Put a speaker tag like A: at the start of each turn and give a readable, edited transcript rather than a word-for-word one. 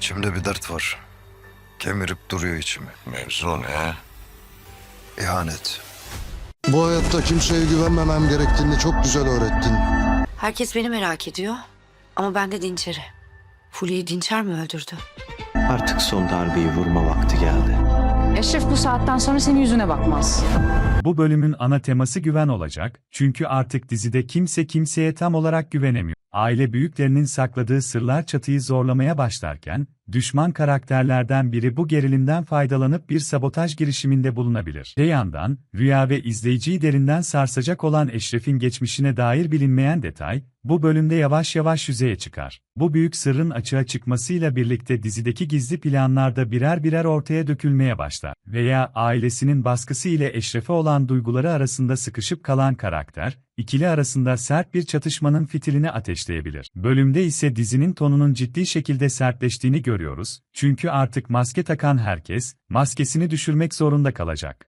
A: İçimde bir dert var. Kemirip duruyor içimi.
B: Mevzu ne?
A: İhanet.
C: Bu hayatta kimseye güvenmemem gerektiğini çok güzel öğrettin.
D: Herkes beni merak ediyor. Ama ben de Dinçer'i. Fulya'yı Dinçer mi öldürdü?
E: Artık son darbeyi vurma vakti geldi.
F: Eşref bu saatten sonra senin yüzüne bakmaz.
G: Bu bölümün ana teması güven olacak, çünkü artık dizide kimse kimseye tam olarak güvenemiyor. Aile büyüklerinin sakladığı sırlar çatıyı zorlamaya başlarken, düşman karakterlerden biri bu gerilimden faydalanıp bir sabotaj girişiminde bulunabilir. Öte yandan, Rüya ve izleyiciyi derinden sarsacak olan Eşref'in geçmişine dair bilinmeyen detay, bu bölümde yavaş yavaş yüzeye çıkar. Bu büyük sırrın açığa çıkmasıyla birlikte dizideki gizli planlar da birer birer ortaya dökülmeye başlar. Veya ailesinin baskısı ile Eşref'e olan duyguları arasında sıkışıp kalan karakter, ikili arasında sert bir çatışmanın fitilini ateşleyebilir. Bölümde ise dizinin tonunun ciddi şekilde sertleştiğini görüyoruz, çünkü artık maske takan herkes, maskesini düşürmek zorunda kalacak.